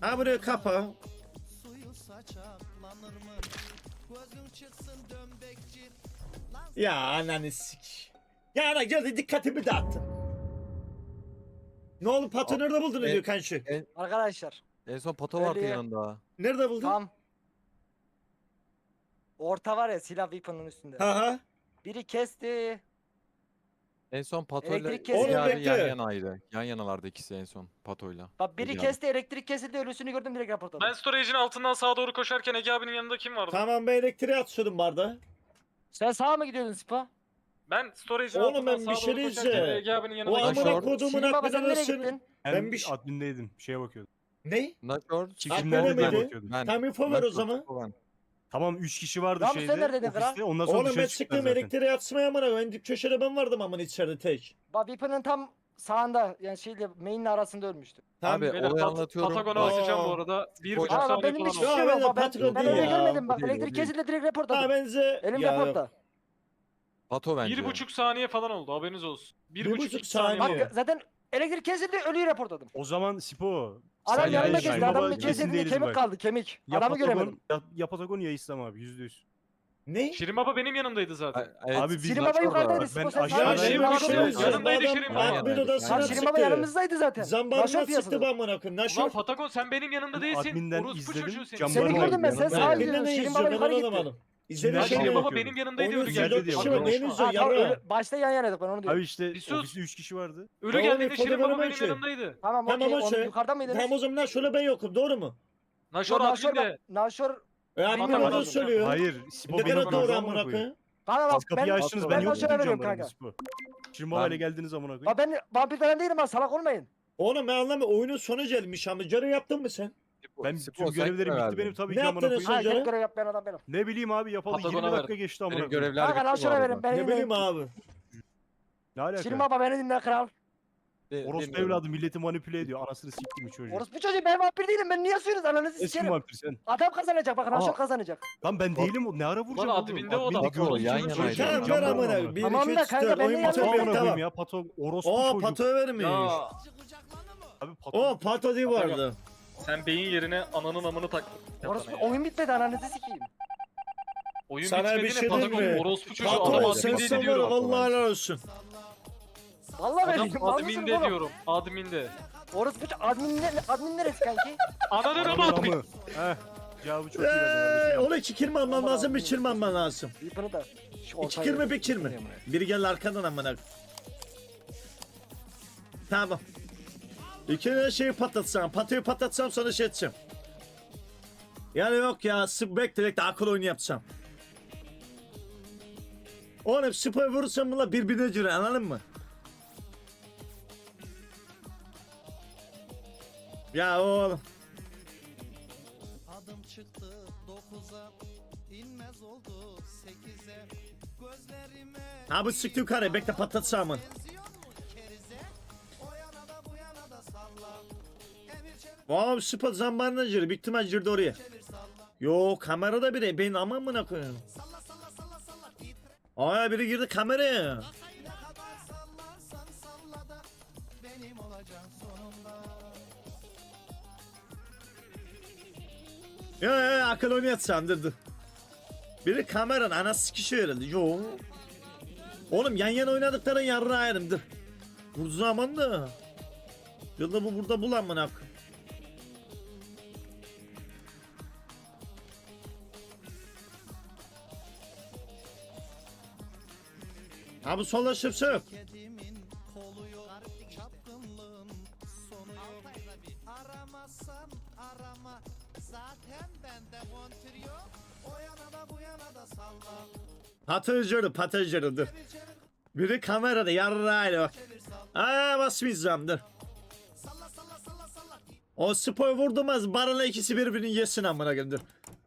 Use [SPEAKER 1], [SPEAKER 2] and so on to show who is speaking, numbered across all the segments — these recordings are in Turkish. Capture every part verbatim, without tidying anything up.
[SPEAKER 1] Ha buraya kapa. Ya ananı sik. Ya ana geldi dikkatimi dağıttın. Ne oldu patı nerede buldun
[SPEAKER 2] e-
[SPEAKER 1] diyor kanşı?
[SPEAKER 3] Arkadaşlar
[SPEAKER 2] En son pato vardı
[SPEAKER 3] Öyle-
[SPEAKER 2] yanında.
[SPEAKER 1] Nerede buldun?
[SPEAKER 3] tam orta var ya silah weapon'ın üstünde.
[SPEAKER 1] Ha ha.
[SPEAKER 3] Biri kesti.
[SPEAKER 2] En son patoyla
[SPEAKER 3] Elektrik kesildi.
[SPEAKER 2] Ziya abi
[SPEAKER 1] Oğlum
[SPEAKER 2] yan
[SPEAKER 1] bekle.
[SPEAKER 2] yanaydı. Yan yanalardı ikisi en son patoyla.
[SPEAKER 3] Bak biri
[SPEAKER 2] Ege
[SPEAKER 3] kesti, elektrik kesildi, ölüsünü gördüm direkt raporladım.
[SPEAKER 4] Ben storage'in altından sağa doğru koşarken Ege abinin yanında kim vardı?
[SPEAKER 1] Tamam ben elektriğe atıyordum barda.
[SPEAKER 3] Sen sağa mı gidiyordun Spa?
[SPEAKER 4] Ben storage'in
[SPEAKER 1] Oğlum
[SPEAKER 4] altından
[SPEAKER 1] ben
[SPEAKER 4] sağa
[SPEAKER 1] bir şey
[SPEAKER 4] doğru koşarken
[SPEAKER 1] diyeceğim.
[SPEAKER 4] Ege abinin
[SPEAKER 1] O
[SPEAKER 4] yanına
[SPEAKER 2] Lan
[SPEAKER 1] amına
[SPEAKER 2] şort.
[SPEAKER 4] geçtim.
[SPEAKER 1] kodumun
[SPEAKER 3] Şirin baba sen
[SPEAKER 1] aklına
[SPEAKER 3] nereye
[SPEAKER 1] seni.
[SPEAKER 3] gittin?
[SPEAKER 5] Ben,
[SPEAKER 1] Ben bir şey-
[SPEAKER 5] admindeydim. Şeye bakıyordum.
[SPEAKER 1] Ne?
[SPEAKER 2] Naşor.
[SPEAKER 5] Çekimlerde
[SPEAKER 1] Aklıma
[SPEAKER 5] ben
[SPEAKER 1] mıydı?
[SPEAKER 5] bakıyordum.
[SPEAKER 2] Ben.
[SPEAKER 1] Tam info ver o
[SPEAKER 2] Naşor,
[SPEAKER 1] zaman.
[SPEAKER 2] Çiko ben.
[SPEAKER 5] Tamam üç kişi vardı
[SPEAKER 3] Rambo,
[SPEAKER 5] şeyde.
[SPEAKER 3] sen neredeydin kral?
[SPEAKER 5] ofiste. Ondan sonra
[SPEAKER 1] Oğlum ben
[SPEAKER 5] dışarı çıktılar
[SPEAKER 1] çıktım
[SPEAKER 5] zaten.
[SPEAKER 1] elektriğe atmaya amına koyayım. Ben dip köşede ben vardım amına içeride tek.
[SPEAKER 3] Bak weapon'ın tam sağında yani şeyle main'in arasında ölmüştü.
[SPEAKER 1] Tamam.
[SPEAKER 2] Abi
[SPEAKER 4] Beyler,
[SPEAKER 2] olayı
[SPEAKER 4] Pat-
[SPEAKER 2] anlatıyorum.
[SPEAKER 4] Patagon'a
[SPEAKER 1] Aa.
[SPEAKER 4] atacağım bu arada. Bir buçuk
[SPEAKER 2] Aa,
[SPEAKER 3] Aa bak
[SPEAKER 4] saniye
[SPEAKER 3] benim
[SPEAKER 4] falan
[SPEAKER 3] hiç
[SPEAKER 4] oldu.
[SPEAKER 1] Ya
[SPEAKER 3] şey yok.
[SPEAKER 1] beyler,
[SPEAKER 3] Bak ben,
[SPEAKER 1] Patron
[SPEAKER 3] ben
[SPEAKER 1] değil
[SPEAKER 3] öyle
[SPEAKER 1] ya.
[SPEAKER 3] görmedim bak.
[SPEAKER 2] O değil, o
[SPEAKER 3] Elektrik
[SPEAKER 2] değil.
[SPEAKER 3] kesildi direkt
[SPEAKER 1] Ha
[SPEAKER 3] raporladım.
[SPEAKER 1] benze.
[SPEAKER 3] Elimde
[SPEAKER 1] Ya,
[SPEAKER 3] raporta.
[SPEAKER 2] Pato bence.
[SPEAKER 4] Bir buçuk saniye falan oldu, haberiniz olsun. Bir,
[SPEAKER 1] Bir
[SPEAKER 4] buçuk,
[SPEAKER 1] buçuk
[SPEAKER 4] iki saniye.
[SPEAKER 1] saniye.
[SPEAKER 4] oldu.
[SPEAKER 3] Bak zaten elektrik kesildi ölüyü raporladım.
[SPEAKER 5] O zaman Sipo.
[SPEAKER 3] Adam
[SPEAKER 5] sen
[SPEAKER 3] yanıma
[SPEAKER 5] ya
[SPEAKER 3] geçti.
[SPEAKER 5] İslam
[SPEAKER 3] Adamın
[SPEAKER 5] Baba
[SPEAKER 3] bir
[SPEAKER 5] kesin
[SPEAKER 3] cesedinde
[SPEAKER 5] değiliz
[SPEAKER 3] kemik
[SPEAKER 5] bak.
[SPEAKER 3] kaldı kemik.
[SPEAKER 5] Ya
[SPEAKER 3] Adamı
[SPEAKER 5] Patagon,
[SPEAKER 3] göremedim.
[SPEAKER 5] ya, ya Patagon ya İslam abi yüzde yüz.
[SPEAKER 1] Ne?
[SPEAKER 4] Şirin Baba benim yanımdaydı zaten.
[SPEAKER 2] Evet,
[SPEAKER 5] Abi biz-
[SPEAKER 3] Şirin Baba
[SPEAKER 2] Naşor da
[SPEAKER 3] yukarıdaydı.
[SPEAKER 2] var.
[SPEAKER 3] Spo
[SPEAKER 5] Ben
[SPEAKER 3] sen
[SPEAKER 5] aşağı-
[SPEAKER 3] sağa
[SPEAKER 1] Ya
[SPEAKER 5] Ben
[SPEAKER 1] şey
[SPEAKER 3] gidiyordun,
[SPEAKER 1] bir
[SPEAKER 4] yanımda
[SPEAKER 1] şey
[SPEAKER 3] raporladın.
[SPEAKER 4] yanımdaydı
[SPEAKER 1] diyeceğim.
[SPEAKER 4] yanımdaydı
[SPEAKER 1] Adam
[SPEAKER 4] Şirin Baba.
[SPEAKER 1] admin odasına
[SPEAKER 3] Lan Şirin Baba
[SPEAKER 1] sıktı.
[SPEAKER 3] yanımızdaydı zaten.
[SPEAKER 1] Zambarına
[SPEAKER 3] Naşor
[SPEAKER 1] sıktı
[SPEAKER 3] piyasada.
[SPEAKER 1] ben amına koyayım.
[SPEAKER 4] Ulan
[SPEAKER 1] Naşor.
[SPEAKER 4] Patagon sen benim yanımda değilsin.
[SPEAKER 5] Adminden
[SPEAKER 4] Orospu
[SPEAKER 5] izledim,
[SPEAKER 4] çocuğu senin.
[SPEAKER 5] camdan
[SPEAKER 3] Seni
[SPEAKER 5] Yanıma
[SPEAKER 3] gördüm ben. Sen
[SPEAKER 5] gidiyorum.
[SPEAKER 3] sağa
[SPEAKER 1] Ben
[SPEAKER 3] gidiyordun.
[SPEAKER 1] ne
[SPEAKER 3] Şirin Baba
[SPEAKER 1] izliyorum
[SPEAKER 3] yukarı
[SPEAKER 1] ben
[SPEAKER 3] gitti.
[SPEAKER 1] anlamadım.
[SPEAKER 4] Ya
[SPEAKER 1] İzledim
[SPEAKER 5] Nereden
[SPEAKER 4] Şirin
[SPEAKER 1] seni.
[SPEAKER 4] Baba
[SPEAKER 5] bakıyordum?
[SPEAKER 4] benim yanımdaydı
[SPEAKER 1] Oyun
[SPEAKER 4] ölü
[SPEAKER 1] izliyor,
[SPEAKER 4] geldi.
[SPEAKER 5] dört
[SPEAKER 1] kişi
[SPEAKER 5] kişi
[SPEAKER 1] var,
[SPEAKER 5] var,
[SPEAKER 1] neyini
[SPEAKER 4] Konuşma.
[SPEAKER 1] izliyor
[SPEAKER 3] Ha, tamam,
[SPEAKER 1] yarra.
[SPEAKER 3] öyle- başta yan yanaydık ben onu
[SPEAKER 5] Abi
[SPEAKER 3] diyorum.
[SPEAKER 5] işte
[SPEAKER 4] Bir sus.
[SPEAKER 5] ofiste üç kişi vardı.
[SPEAKER 4] Ölü
[SPEAKER 1] Tamam,
[SPEAKER 4] geldiğinde
[SPEAKER 1] ifoto
[SPEAKER 4] Şirin Baba
[SPEAKER 1] veremem
[SPEAKER 4] benim
[SPEAKER 1] ki.
[SPEAKER 4] yanımdaydı.
[SPEAKER 3] Tamam
[SPEAKER 1] Tamam
[SPEAKER 3] okey
[SPEAKER 1] o
[SPEAKER 3] onu
[SPEAKER 1] şey.
[SPEAKER 3] yukarıda mıydınız?
[SPEAKER 1] Tamam o zaman Naşor'la ben yokum doğru mu?
[SPEAKER 4] Naşor
[SPEAKER 3] Naşor
[SPEAKER 4] adminde.
[SPEAKER 3] bak. Naşor.
[SPEAKER 1] E admin
[SPEAKER 3] Bilmiyorum
[SPEAKER 1] onu
[SPEAKER 3] abi.
[SPEAKER 1] söylüyor.
[SPEAKER 5] Hayır. Sipo
[SPEAKER 1] Ne
[SPEAKER 5] benim
[SPEAKER 1] kadar doğru
[SPEAKER 5] yanımda
[SPEAKER 1] amına
[SPEAKER 5] amına koyayım.
[SPEAKER 1] koyayım.
[SPEAKER 3] Kanka bak
[SPEAKER 5] Az kapıyı
[SPEAKER 3] ben,
[SPEAKER 5] açtınız
[SPEAKER 3] ben
[SPEAKER 5] ben
[SPEAKER 3] Naşor'a
[SPEAKER 5] yoktum
[SPEAKER 3] veriyorum
[SPEAKER 5] camlarında
[SPEAKER 3] kanka.
[SPEAKER 5] Sipo. Şirin Baba ile
[SPEAKER 2] Ben-
[SPEAKER 5] geldiniz amına koyayım.
[SPEAKER 3] Bak ben vampir falan değilim ha salak olmayın.
[SPEAKER 1] Oğlum ben anlamıyorum. Oyunun sonu gelmiş ama carı yaptın mı sen?
[SPEAKER 5] Ben
[SPEAKER 2] Sipo,
[SPEAKER 5] tüm
[SPEAKER 2] sen
[SPEAKER 5] görevlerim
[SPEAKER 2] kime
[SPEAKER 5] bitti
[SPEAKER 2] verdin?
[SPEAKER 5] benim tabii
[SPEAKER 1] Ne
[SPEAKER 5] ki amına
[SPEAKER 1] yaptınız
[SPEAKER 5] koyayım.
[SPEAKER 3] Ha
[SPEAKER 1] Hocam?
[SPEAKER 3] tek görev yapmayan adam benim.
[SPEAKER 5] Ne bileyim abi yapalı
[SPEAKER 4] Patagon'a
[SPEAKER 5] yirmi dakika
[SPEAKER 4] verdim.
[SPEAKER 5] geçti amına
[SPEAKER 2] Benim
[SPEAKER 5] koyayım.
[SPEAKER 2] görevler
[SPEAKER 3] Kanka
[SPEAKER 2] bitti bu
[SPEAKER 3] Naşor'a
[SPEAKER 2] arada.
[SPEAKER 3] verin ben
[SPEAKER 1] Ne bileyim abi.
[SPEAKER 5] Ne alaka?
[SPEAKER 3] Şirin Baba beni dinle kral.
[SPEAKER 2] Bi-
[SPEAKER 5] Orospu
[SPEAKER 2] bilmiyorum.
[SPEAKER 5] evladı milleti manipüle ediyor. Anasını siktim çocuğu.
[SPEAKER 3] Orospu çocuğu ben vampir değilim ben niye suyunuz ananızı
[SPEAKER 5] Eski
[SPEAKER 3] sikerim.
[SPEAKER 5] vampir sen.
[SPEAKER 3] Adam kazanacak bak Naşor
[SPEAKER 2] Ama-
[SPEAKER 3] kazanacak.
[SPEAKER 5] Lan ben değilim o. Ne ara vuracağım
[SPEAKER 4] Lan
[SPEAKER 5] oğlum?
[SPEAKER 4] adminde o
[SPEAKER 5] Adminde
[SPEAKER 4] adam.
[SPEAKER 5] gördüm
[SPEAKER 2] Yan
[SPEAKER 5] seni
[SPEAKER 2] yanaydı.
[SPEAKER 5] çocuğu,
[SPEAKER 1] Tamam ver
[SPEAKER 5] camdan
[SPEAKER 1] amına.
[SPEAKER 5] amına.
[SPEAKER 1] Bir
[SPEAKER 3] Tamam
[SPEAKER 1] iki
[SPEAKER 3] da
[SPEAKER 1] üç
[SPEAKER 3] kanka,
[SPEAKER 1] dört
[SPEAKER 3] ben
[SPEAKER 1] oyun
[SPEAKER 3] de
[SPEAKER 5] Pato
[SPEAKER 1] bitemiyor
[SPEAKER 5] amına koyayım
[SPEAKER 1] tamam.
[SPEAKER 5] ya. Pato orospu
[SPEAKER 1] Oo
[SPEAKER 5] çocuğu.
[SPEAKER 1] pato vermiş.
[SPEAKER 4] Ya
[SPEAKER 5] Abi pato.
[SPEAKER 1] O pato değil
[SPEAKER 4] Patagon.
[SPEAKER 1] vardı.
[SPEAKER 4] sen beyin yerine ananın amını taktın.
[SPEAKER 3] Orospu oyun bitmedi ananızı sikeyim.
[SPEAKER 4] Oyun
[SPEAKER 1] Sana bir
[SPEAKER 4] bitmedi
[SPEAKER 1] şey
[SPEAKER 4] ne
[SPEAKER 1] diyeyim
[SPEAKER 4] Patagon
[SPEAKER 1] mi?
[SPEAKER 4] orospu çocuğu adam
[SPEAKER 1] Pato sen
[SPEAKER 4] admindeydi
[SPEAKER 1] sen var
[SPEAKER 4] diyorum.
[SPEAKER 1] vallahi helal olsun.
[SPEAKER 3] Vallahi ben
[SPEAKER 4] Adam
[SPEAKER 3] değilim. Mal mısınız
[SPEAKER 4] adminde
[SPEAKER 3] oğlum?
[SPEAKER 4] diyorum. Adminde.
[SPEAKER 3] Orospu çocuğu admin, ne, admin neresi kanki?
[SPEAKER 4] Ananın amı
[SPEAKER 5] Amı.
[SPEAKER 4] admin.
[SPEAKER 5] Heh. Cevabı çok iyi
[SPEAKER 1] Eee
[SPEAKER 5] verdin.
[SPEAKER 1] onu iki kirme alman lazım bir kirme alman lazım.
[SPEAKER 3] Weapon'ı da. Şu
[SPEAKER 1] İki
[SPEAKER 3] ortaya
[SPEAKER 1] kirme
[SPEAKER 3] verin.
[SPEAKER 1] bir kirme. Biri gel arkadan amına. Tamam. İki de şeyi patlatsam, patoyu patlatsam sonra şey edeceğim. Yani yok ya, sık direkt akıl oyunu yapsam. Oğlum spor vurursam bunlar birbirine girer anladın mı? Ya oğlum.
[SPEAKER 6] Adım çıktı dokuza, inmez oldu sekize. Gözlerime
[SPEAKER 1] Ha bu sıktı yukarı bekle patlatsam mı?
[SPEAKER 6] benziyor mu kerize? O yana da bu yana da salla. Emir çevir
[SPEAKER 1] Oğlum spor zambarına girer, büyük ihtimal girdi oraya.
[SPEAKER 6] çevir salla.
[SPEAKER 1] Yo kamerada biri, ben aman mı koyayım?
[SPEAKER 6] Salla salla salla salla titre.
[SPEAKER 1] Aa biri girdi kameraya.
[SPEAKER 6] Ne kadar sallarsan salla da benim olacaksın sonunda.
[SPEAKER 1] Yo yo yo, akıl oyunu yatsam dur dur. Biri kameranın anası sikişiyor herhalde. Yo. Oğlum yan yana oynadıkların yarına ayrım dur. Bu zaman da. Yılda bu burada bulan mı nak? Ha bu sola şıpsı yok.
[SPEAKER 6] Kedimin kolu yok, çapkınlığın sonu yok. Aramazsan arama, zaten bende kontür yok. O yana da bu yana da salla.
[SPEAKER 1] Patıcırı patıcırı dur.
[SPEAKER 6] Çevir çevir
[SPEAKER 1] Biri kamerada yarına ayrı bak.
[SPEAKER 6] çevir salla.
[SPEAKER 1] Aa basmayacağım dur.
[SPEAKER 6] Salla salla salla salla.
[SPEAKER 1] O spor vurdumaz barınla ikisi birbirini yesin amına koyayım dur.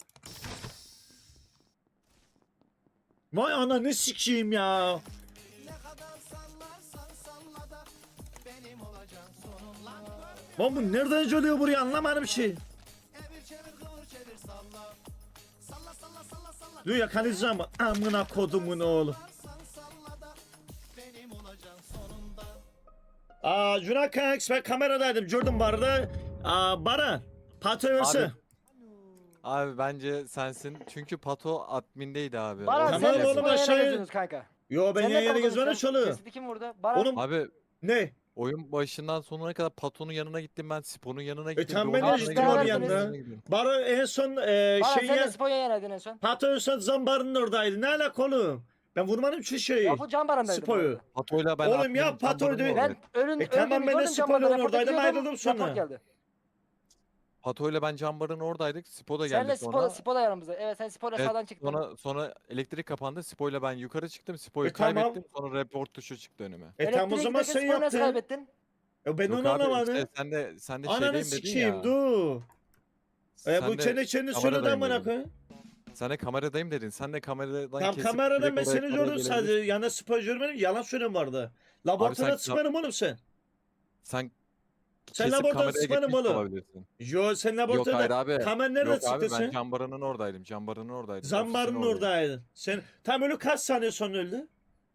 [SPEAKER 1] Vay ana ne sikeyim ya.
[SPEAKER 6] Ne kadar sallarsan salla da benim olacaksın sonunda.
[SPEAKER 1] Lan bu nereden geliyor buraya anlamadım bir şey.
[SPEAKER 6] Evir çevir kıvır çevir salla. Salla salla salla salla.
[SPEAKER 1] Dur yakalayacağım amına kodumun oğlu.
[SPEAKER 6] Sallarsan salla da benim olacaksın sonunda.
[SPEAKER 1] Aa Cuna Kanks ben kameradaydım gördüm barda. Aa Baran. Pato verse.
[SPEAKER 2] Abi, Abi bence sensin. Çünkü Pato admindeydi abi.
[SPEAKER 3] Baran
[SPEAKER 2] O
[SPEAKER 1] Tamam
[SPEAKER 3] sen
[SPEAKER 2] yüzden-
[SPEAKER 3] de
[SPEAKER 1] oğlum,
[SPEAKER 3] Sipo'ya
[SPEAKER 1] aşağıya-
[SPEAKER 3] geziyorsunuz kanka.
[SPEAKER 1] Yo ben
[SPEAKER 3] Sen
[SPEAKER 1] yan
[SPEAKER 3] ne
[SPEAKER 1] yana
[SPEAKER 3] kaldın
[SPEAKER 1] gezmene
[SPEAKER 3] sen?
[SPEAKER 1] çalıyor.
[SPEAKER 3] Cesedi kim vurdu? Baran.
[SPEAKER 1] Oğlum
[SPEAKER 2] Abi
[SPEAKER 1] ne?
[SPEAKER 2] oyun başından sonuna kadar Pato'nun yanına gittim ben. Sipo'nun yanına gittim.
[SPEAKER 1] tam
[SPEAKER 2] bir
[SPEAKER 1] ben de
[SPEAKER 2] onun
[SPEAKER 3] gittim
[SPEAKER 2] yanına
[SPEAKER 3] abi
[SPEAKER 2] gittim,
[SPEAKER 3] yanına.
[SPEAKER 2] yanına gidiyorum.
[SPEAKER 1] Baro en son e,
[SPEAKER 3] Baran
[SPEAKER 1] şey
[SPEAKER 3] sen de
[SPEAKER 1] ya.
[SPEAKER 3] Sipo'ya yenerdin en son.
[SPEAKER 1] Pato en son zambarının oradaydı. Ne alaka oğlum? Ben vurmadım şu şeyi.
[SPEAKER 3] Ya bu Can Baran'daydı. bu
[SPEAKER 1] Spoyu.
[SPEAKER 3] arada.
[SPEAKER 2] Pato'yla ben
[SPEAKER 1] Oğlum
[SPEAKER 2] adminim,
[SPEAKER 1] ya,
[SPEAKER 2] Can
[SPEAKER 1] Pato'ydu.
[SPEAKER 2] Baran'ın
[SPEAKER 3] Ben
[SPEAKER 2] oradaydım.
[SPEAKER 3] ölün
[SPEAKER 1] E tamam,
[SPEAKER 3] öldüğünü
[SPEAKER 1] ben de
[SPEAKER 3] gördüm, Can
[SPEAKER 1] Sipo'yla
[SPEAKER 3] Baran'la rapor
[SPEAKER 1] oradaydım,
[SPEAKER 3] ediyordum,
[SPEAKER 1] ayrıldım sonra.
[SPEAKER 3] rapor geldi.
[SPEAKER 2] Pato'yla ben Can Baran'ın oradaydık. Sipo da geldi
[SPEAKER 3] Senle
[SPEAKER 2] sonra.
[SPEAKER 3] Sipo, Sipo da yanımızda. Evet sen Sipo'yla
[SPEAKER 2] Evet,
[SPEAKER 3] sağdan çıktın.
[SPEAKER 2] Sonra sonra elektrik kapandı. Sipo'yla ben yukarı çıktım. Sipo'yu
[SPEAKER 1] E, tamam.
[SPEAKER 2] kaybettim. Sonra report tuşu çıktı önüme.
[SPEAKER 1] E tam o
[SPEAKER 3] Elektriğe
[SPEAKER 1] zaman
[SPEAKER 3] giderken
[SPEAKER 1] sen
[SPEAKER 3] Sipo'yu nasıl
[SPEAKER 1] yaptın.
[SPEAKER 3] kaybettin?
[SPEAKER 1] E ben
[SPEAKER 2] Yok
[SPEAKER 1] onu
[SPEAKER 2] abi,
[SPEAKER 1] anlamadım.
[SPEAKER 2] işte sen de sen de
[SPEAKER 1] Ananı
[SPEAKER 2] şeydeyim dedin
[SPEAKER 1] sikeyim
[SPEAKER 2] ya.
[SPEAKER 1] dur. E
[SPEAKER 2] Sen
[SPEAKER 1] bu
[SPEAKER 2] de
[SPEAKER 1] çene çene söyledi
[SPEAKER 2] kameradayım
[SPEAKER 1] amına
[SPEAKER 2] dedin.
[SPEAKER 1] koyayım.
[SPEAKER 2] Sen de kameradayım dedin. Sen de kameradan
[SPEAKER 1] Tam
[SPEAKER 2] kesip
[SPEAKER 1] kameradan
[SPEAKER 2] direkt
[SPEAKER 1] ben
[SPEAKER 2] oraya
[SPEAKER 1] seni
[SPEAKER 2] kadar
[SPEAKER 1] gördüm
[SPEAKER 2] gelebilirsin.
[SPEAKER 1] sadece. Yana spor görmedim. Yalan söylüyorum vardı. Laboratuvara
[SPEAKER 2] sen-
[SPEAKER 1] çıkmadın oğlum sen.
[SPEAKER 2] Sen
[SPEAKER 1] Sen
[SPEAKER 2] kesip
[SPEAKER 1] laboratuvar
[SPEAKER 2] kameraya
[SPEAKER 1] sıkmadın
[SPEAKER 2] gitmiş de
[SPEAKER 1] oğlum.
[SPEAKER 2] olabilirsin.
[SPEAKER 1] Yo sen
[SPEAKER 2] Yok hayır
[SPEAKER 1] laboratuvarda.
[SPEAKER 2] abi.
[SPEAKER 1] Kamer nereden
[SPEAKER 2] Yok abi
[SPEAKER 1] çıktı
[SPEAKER 2] ben
[SPEAKER 1] sen?
[SPEAKER 2] Cambaran'ın oradaydım. Cambaran'ın oradaydım.
[SPEAKER 1] Zambarın
[SPEAKER 2] Ofisin oradaydım.
[SPEAKER 1] oradaydın. Sen tam ölü kaç saniye sonra öldü?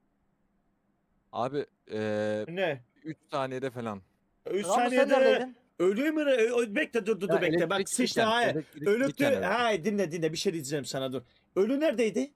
[SPEAKER 2] Abi eee
[SPEAKER 1] Ne?
[SPEAKER 2] üç saniyede falan.
[SPEAKER 1] üç
[SPEAKER 3] Ramo sen
[SPEAKER 1] saniyede
[SPEAKER 3] neredeydin?
[SPEAKER 1] ölü mü? Ö- ö- Bekle dur dur dur
[SPEAKER 2] Ya
[SPEAKER 1] bekle. Bak
[SPEAKER 2] elektrik
[SPEAKER 1] sıçtı
[SPEAKER 2] diken,
[SPEAKER 1] hayır.
[SPEAKER 2] elektrik
[SPEAKER 1] Ölüktü.
[SPEAKER 2] diken evet.
[SPEAKER 1] Hayır dinle dinle bir şey diyeceğim sana dur. Ölü neredeydi?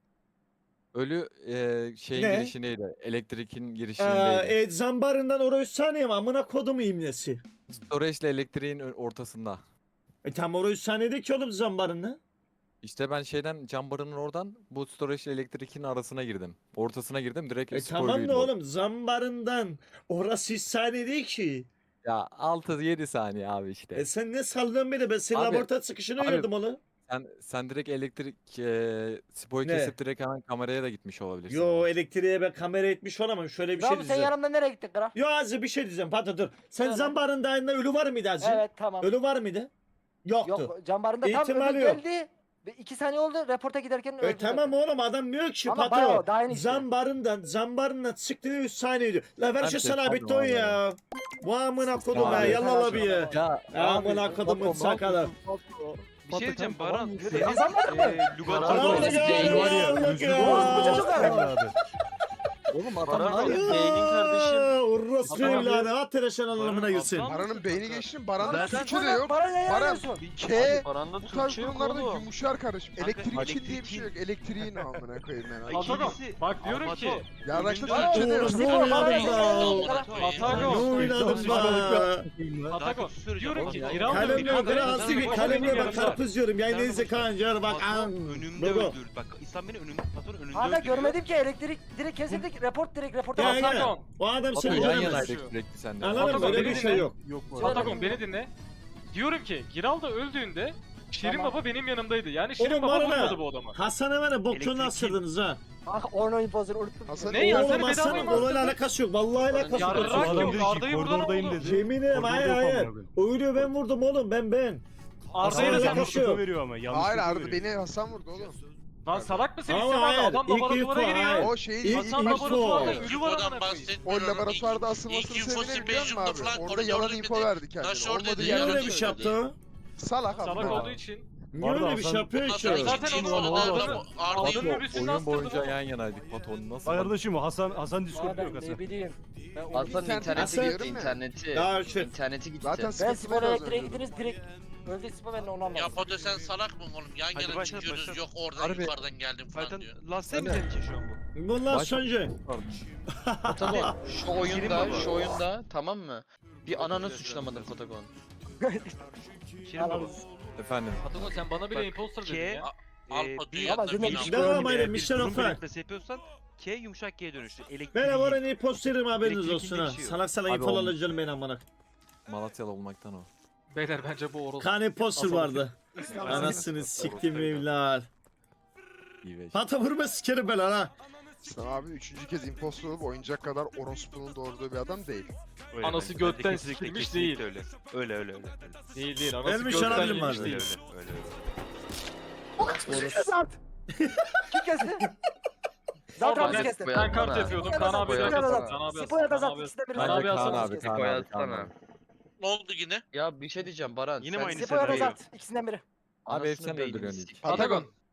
[SPEAKER 2] Ölü eee şeyin
[SPEAKER 1] Ne?
[SPEAKER 2] girişindeydi. Elektrikin
[SPEAKER 1] Ee,
[SPEAKER 2] girişindeydi.
[SPEAKER 1] e, zambarından oraya üç saniye mi? Amına kodumu imlesi.
[SPEAKER 2] Storage ile elektriğin ö- ortasında.
[SPEAKER 1] E tam oraya üç saniyede ki oğlum zambarını.
[SPEAKER 2] İşte ben şeyden Cambaran'ın oradan bu storage ile elektrikin arasına girdim. Ortasına girdim direkt
[SPEAKER 1] E tamam
[SPEAKER 2] spoiluydu
[SPEAKER 1] da
[SPEAKER 2] o.
[SPEAKER 1] oğlum zambarından orası üç saniye değil ki.
[SPEAKER 2] Ya altı yedi saniye abi işte.
[SPEAKER 1] E sen ne sallıyorsun beni? Ben senin
[SPEAKER 2] Abi-
[SPEAKER 1] laboratuvar çıkışını
[SPEAKER 2] abi-
[SPEAKER 1] gördüm oğlum.
[SPEAKER 2] Sen sen direkt elektrik eee spoyu
[SPEAKER 1] Ne?
[SPEAKER 2] kesip direkt hemen kameraya da gitmiş olabilirsin.
[SPEAKER 1] Yo elektriğe ben kamera etmiş olamam. Şöyle bir şey
[SPEAKER 3] Ramo sen
[SPEAKER 1] diyeceğim.
[SPEAKER 3] yanımda nereye gittin kral?
[SPEAKER 1] Yo Azı bir şey diyeceğim. Pardon dur. Sen
[SPEAKER 3] Söyle.
[SPEAKER 1] zambarındayında ölü var mıydı Azı?
[SPEAKER 3] Evet tamam.
[SPEAKER 1] Ölü var mıydı? Yoktu.
[SPEAKER 3] Yok Can Baran'da tam
[SPEAKER 1] İhtimali
[SPEAKER 3] ölü
[SPEAKER 1] yok.
[SPEAKER 3] geldi. Ve iki saniye oldu reporta giderken öldü.
[SPEAKER 1] E tamam oğlum adam diyor ki
[SPEAKER 3] Ama bayağı
[SPEAKER 1] patron
[SPEAKER 3] o, daha yeni işte.
[SPEAKER 1] zambarından zambarından çıktı üç saniye diyor. La ver
[SPEAKER 2] Ben
[SPEAKER 1] şu
[SPEAKER 2] de
[SPEAKER 1] sana
[SPEAKER 2] pardon
[SPEAKER 1] bitti o
[SPEAKER 2] abi.
[SPEAKER 1] ya. Bu amına kodum ha
[SPEAKER 2] Abi.
[SPEAKER 1] yallah bir ya.
[SPEAKER 2] Ya
[SPEAKER 1] Amına kodumun sakalı.
[SPEAKER 4] Bir şey diyeceğim Baran.
[SPEAKER 3] Yürü, kazanmadın mı?
[SPEAKER 4] Eee
[SPEAKER 1] Allah
[SPEAKER 4] Lugat'ın
[SPEAKER 1] ya
[SPEAKER 5] var ya,
[SPEAKER 1] Allah
[SPEAKER 5] yüzlü
[SPEAKER 1] ya.
[SPEAKER 3] Orospu çocuk var.
[SPEAKER 5] Evladı.
[SPEAKER 2] Oğlum
[SPEAKER 4] Baran
[SPEAKER 2] adam var
[SPEAKER 4] abi,
[SPEAKER 2] ya.
[SPEAKER 4] beynin kardeşim.
[SPEAKER 1] Orospu
[SPEAKER 4] Adam-
[SPEAKER 1] evladı at tereşen anlamına girsin.
[SPEAKER 4] Baran-
[SPEAKER 7] Baran'ın beyni geçti mi? Baran'ın
[SPEAKER 4] Ben-
[SPEAKER 7] suçu da yok.
[SPEAKER 3] Baran ne
[SPEAKER 7] Baran-
[SPEAKER 3] yapıyorsun?
[SPEAKER 7] K
[SPEAKER 4] Baran'da
[SPEAKER 7] bu tarz
[SPEAKER 4] Türkçe yok
[SPEAKER 7] durumlarda
[SPEAKER 4] oğlum.
[SPEAKER 7] yumuşar kardeşim.
[SPEAKER 4] Kanka,
[SPEAKER 7] Elektrik için diye bir şey
[SPEAKER 4] elektriğin-
[SPEAKER 7] yok. Elektriğin amına koyayım ben. abi.
[SPEAKER 4] Atakan,
[SPEAKER 8] İkincisi-
[SPEAKER 4] bak diyorum
[SPEAKER 8] Ama
[SPEAKER 4] ki.
[SPEAKER 8] Pato,
[SPEAKER 7] Ya araçta
[SPEAKER 4] Baran-
[SPEAKER 7] Türkçe de yok.
[SPEAKER 1] Oğlum ne
[SPEAKER 3] Baran-
[SPEAKER 1] oynadım
[SPEAKER 3] Baran-
[SPEAKER 1] da?
[SPEAKER 4] Atakan.
[SPEAKER 1] Ne oynadım da?
[SPEAKER 4] Atakan. Diyorum ki
[SPEAKER 8] Oğlum,
[SPEAKER 4] Giral da bir
[SPEAKER 1] Kalemle
[SPEAKER 4] kadın-
[SPEAKER 1] biraz değil
[SPEAKER 4] Pato
[SPEAKER 1] kalemle
[SPEAKER 4] benim
[SPEAKER 1] bak
[SPEAKER 4] yanımda.
[SPEAKER 1] karpuz diyorum. Yayın neyse kancar bak.
[SPEAKER 8] Patron
[SPEAKER 1] an.
[SPEAKER 8] önümde
[SPEAKER 1] Logo.
[SPEAKER 8] öldürdü. Bak İslam beni önümde patron önümde
[SPEAKER 3] Hala
[SPEAKER 8] öldürüyor.
[SPEAKER 3] görmedim ki elektrik direkt kesildik. Report direkt reporta
[SPEAKER 1] Ya
[SPEAKER 3] bas.
[SPEAKER 1] ya.
[SPEAKER 4] Atakan.
[SPEAKER 1] O adam
[SPEAKER 2] Pato
[SPEAKER 1] seni
[SPEAKER 2] yan
[SPEAKER 1] göremez.
[SPEAKER 2] yanaydık sürekli sende.
[SPEAKER 1] Anladın mı?
[SPEAKER 4] Atakan,
[SPEAKER 1] Böyle bir
[SPEAKER 4] beni
[SPEAKER 1] şey
[SPEAKER 4] dinle.
[SPEAKER 1] yok.
[SPEAKER 5] Yok bu
[SPEAKER 3] Söyle.
[SPEAKER 5] arada.
[SPEAKER 4] Atakan beni dinle. Diyorum ki Giral da öldüğünde Şirin
[SPEAKER 3] Tamam.
[SPEAKER 4] Baba benim yanımdaydı. Yani Şirin
[SPEAKER 1] Oğlum
[SPEAKER 4] Baba
[SPEAKER 1] var ya.
[SPEAKER 4] vurmadı bu adamı.
[SPEAKER 1] Hasan'a var ya bokçunu
[SPEAKER 8] Elektrik-
[SPEAKER 1] astırdınız ha.
[SPEAKER 3] Ah Orno imposter unuttum.
[SPEAKER 7] Hasan-
[SPEAKER 4] Ne ya?
[SPEAKER 1] Oğlum
[SPEAKER 4] Seni
[SPEAKER 1] Hasan'ın
[SPEAKER 4] bedavaya mı
[SPEAKER 1] olayla
[SPEAKER 4] astırdın?
[SPEAKER 1] alakası yok. Vallahi alakası
[SPEAKER 4] Ya
[SPEAKER 1] yok.
[SPEAKER 5] Bu
[SPEAKER 4] Rak
[SPEAKER 5] adam
[SPEAKER 4] yok,
[SPEAKER 5] dedi ki
[SPEAKER 4] Arda'yı vurdun
[SPEAKER 5] koridordayım
[SPEAKER 4] oğlum.
[SPEAKER 5] dedi.
[SPEAKER 1] Yeminim
[SPEAKER 5] Koridorda
[SPEAKER 1] hayır
[SPEAKER 5] yok
[SPEAKER 1] hayır.
[SPEAKER 5] amına koyayım.
[SPEAKER 1] Öyle ben vurdum oğlum ben ben.
[SPEAKER 4] Arda'yı
[SPEAKER 1] Hasan'la
[SPEAKER 4] da sen
[SPEAKER 1] alakası
[SPEAKER 4] vurdun.
[SPEAKER 1] yok.
[SPEAKER 5] veriyor ama. yanlış
[SPEAKER 7] Hayır
[SPEAKER 5] info
[SPEAKER 7] Arda
[SPEAKER 5] veriyor.
[SPEAKER 7] beni Hasan vurdu oğlum.
[SPEAKER 4] Lan salak mısın?
[SPEAKER 1] Ama
[SPEAKER 4] İstemem
[SPEAKER 1] hayır,
[SPEAKER 4] adam
[SPEAKER 1] ilk
[SPEAKER 4] laboratuvara
[SPEAKER 1] info,
[SPEAKER 4] giriyor.
[SPEAKER 1] hayır.
[SPEAKER 7] O şeyi
[SPEAKER 1] İlk
[SPEAKER 7] ilk
[SPEAKER 4] Hasan
[SPEAKER 1] info.
[SPEAKER 4] laboratuvarda ölü var
[SPEAKER 9] Infodan
[SPEAKER 4] amına koyayım.
[SPEAKER 9] bahsetmiyorum.
[SPEAKER 7] O laboratuvarda
[SPEAKER 9] İlk-
[SPEAKER 7] asılmasının
[SPEAKER 9] ilk info
[SPEAKER 7] sebebini biliyor musun
[SPEAKER 9] Spectrum'da
[SPEAKER 7] abi?
[SPEAKER 9] falan
[SPEAKER 7] Orada
[SPEAKER 9] koridor
[SPEAKER 7] yalan
[SPEAKER 9] dedi.
[SPEAKER 7] info verdi kendine.
[SPEAKER 9] Taş orada
[SPEAKER 7] Olmadığı
[SPEAKER 9] dedi.
[SPEAKER 1] Niye
[SPEAKER 7] yerden
[SPEAKER 1] öyle bir şey
[SPEAKER 7] söyledi.
[SPEAKER 1] yaptı?
[SPEAKER 7] Salak abi.
[SPEAKER 4] Salak olduğu için.
[SPEAKER 1] Niye
[SPEAKER 5] Arda
[SPEAKER 1] öyle bir şey
[SPEAKER 5] Hasan-
[SPEAKER 1] yapıyor
[SPEAKER 9] Ondan
[SPEAKER 1] ki?
[SPEAKER 9] sonra
[SPEAKER 4] Zaten
[SPEAKER 9] ikinci
[SPEAKER 4] onu
[SPEAKER 9] infoda
[SPEAKER 4] aldığını-
[SPEAKER 9] adam-
[SPEAKER 4] aldığını
[SPEAKER 9] Arda'yı
[SPEAKER 2] Pato
[SPEAKER 4] öbürsünü
[SPEAKER 2] oyun
[SPEAKER 4] astırdı
[SPEAKER 2] boyunca
[SPEAKER 4] oğlum.
[SPEAKER 2] yan yanaydık. Pato nasıl?
[SPEAKER 5] Kardeşim o Hasan Hasan
[SPEAKER 3] Aa,
[SPEAKER 5] Discord'da yok
[SPEAKER 3] ben
[SPEAKER 5] Hasan.
[SPEAKER 3] ne bileyim. Ben onu
[SPEAKER 7] Hasan
[SPEAKER 3] bilmiyorum.
[SPEAKER 7] internete
[SPEAKER 1] Hasan-
[SPEAKER 7] giriyorum ya.
[SPEAKER 10] İnterneti,
[SPEAKER 1] Ya şu-
[SPEAKER 10] interneti gitti.
[SPEAKER 7] Zaten
[SPEAKER 3] Ben
[SPEAKER 7] sıkıntılar
[SPEAKER 3] spor
[SPEAKER 7] az
[SPEAKER 3] elektriğe
[SPEAKER 7] önce.
[SPEAKER 3] gittiniz direkt. Öldü spor ben de onu
[SPEAKER 9] Ya
[SPEAKER 3] anlamadım.
[SPEAKER 9] Pato sen salak mı oğlum? Yan
[SPEAKER 8] Hadi
[SPEAKER 9] yana
[SPEAKER 8] başla,
[SPEAKER 9] çıkıyoruz
[SPEAKER 8] başla.
[SPEAKER 9] yok oradan
[SPEAKER 10] Harbi.
[SPEAKER 9] yukarıdan geldim falan
[SPEAKER 8] Zaten
[SPEAKER 9] diyor.
[SPEAKER 8] lastiğe mi senin için şu an bu?
[SPEAKER 1] Bundan
[SPEAKER 2] Baş-
[SPEAKER 1] sonra.
[SPEAKER 10] Patagon şu
[SPEAKER 8] Şirin
[SPEAKER 10] oyunda,
[SPEAKER 8] baba.
[SPEAKER 10] şu oyunda tamam mı? Bir ananı suçlamadın Patagon.
[SPEAKER 8] Şirin baba.
[SPEAKER 2] Efendim.
[SPEAKER 4] Patagon sen bana bile
[SPEAKER 8] Bak,
[SPEAKER 4] imposter
[SPEAKER 8] K-
[SPEAKER 4] dedin ya.
[SPEAKER 9] Al
[SPEAKER 8] Ee,
[SPEAKER 9] Pato'yu
[SPEAKER 8] bir-
[SPEAKER 9] yanına
[SPEAKER 3] Ama dinle,
[SPEAKER 9] bin al.
[SPEAKER 3] bir-
[SPEAKER 1] Devam
[SPEAKER 8] Eğer
[SPEAKER 1] edelim
[SPEAKER 8] bir
[SPEAKER 1] Michel
[SPEAKER 8] durum
[SPEAKER 1] Ofer.
[SPEAKER 8] belirtmesi yapıyorsan K yumuşak G'ye dönüştü. Elektrik.
[SPEAKER 1] Ben var en iyi posterim haberiniz
[SPEAKER 8] Elektrik
[SPEAKER 1] olsun ha.
[SPEAKER 8] geçiyor.
[SPEAKER 1] Salak salak
[SPEAKER 2] Abi
[SPEAKER 1] info
[SPEAKER 2] olmuş.
[SPEAKER 1] alacağım ben amına.
[SPEAKER 2] Malatyalı olmaktan o.
[SPEAKER 4] Beyler bence bu orospu.
[SPEAKER 1] Kane poster
[SPEAKER 4] Asıl-
[SPEAKER 1] vardı. Anasını siktim evlat.
[SPEAKER 2] İyi be.
[SPEAKER 1] Pata vurma sikerim ben lan ha.
[SPEAKER 7] Sen abi üçüncü kez impostor olup oyuncak kadar orospunun doğurduğu bir adam değil.
[SPEAKER 8] Öyle
[SPEAKER 4] Anası
[SPEAKER 8] bence.
[SPEAKER 4] götten
[SPEAKER 8] Kesinlikle,
[SPEAKER 4] sikilmiş
[SPEAKER 8] kesinlikle
[SPEAKER 4] değil.
[SPEAKER 8] Öyle. Öyle öyle öyle.
[SPEAKER 4] Değil değil. Anası
[SPEAKER 1] Elmiş
[SPEAKER 4] gökten
[SPEAKER 1] olabilir mi
[SPEAKER 4] yemiş
[SPEAKER 1] abi?
[SPEAKER 8] Öyle
[SPEAKER 4] değil.
[SPEAKER 8] öyle öyle. öyle.
[SPEAKER 3] Zart. Kim kesti? Zart
[SPEAKER 4] Ama
[SPEAKER 3] abi
[SPEAKER 4] ben,
[SPEAKER 3] kesti.
[SPEAKER 4] ben kart yapıyordum. Kaan abi
[SPEAKER 3] Spoya
[SPEAKER 4] yapıyordu.
[SPEAKER 3] da zart.
[SPEAKER 4] Kaan abi
[SPEAKER 3] Spoya da
[SPEAKER 4] Kaan
[SPEAKER 3] zart.
[SPEAKER 4] abi-
[SPEAKER 3] İkisi de bir
[SPEAKER 4] Kaan
[SPEAKER 2] Bence
[SPEAKER 4] abi
[SPEAKER 2] Kaan
[SPEAKER 4] aslan.
[SPEAKER 2] abi, Kaan abi, Kaan abi.
[SPEAKER 9] Ne oldu yine?
[SPEAKER 10] Ya bir şey diyeceğim Baran.
[SPEAKER 8] Yine mi
[SPEAKER 10] sen
[SPEAKER 8] aynı
[SPEAKER 3] Spoya da
[SPEAKER 8] senaryo?
[SPEAKER 3] zart. İkisinden biri.
[SPEAKER 2] Abi
[SPEAKER 10] anasını
[SPEAKER 2] sen
[SPEAKER 10] beynini
[SPEAKER 2] öldürüyorsun
[SPEAKER 10] sik-
[SPEAKER 2] ilk.
[SPEAKER 7] Patagon.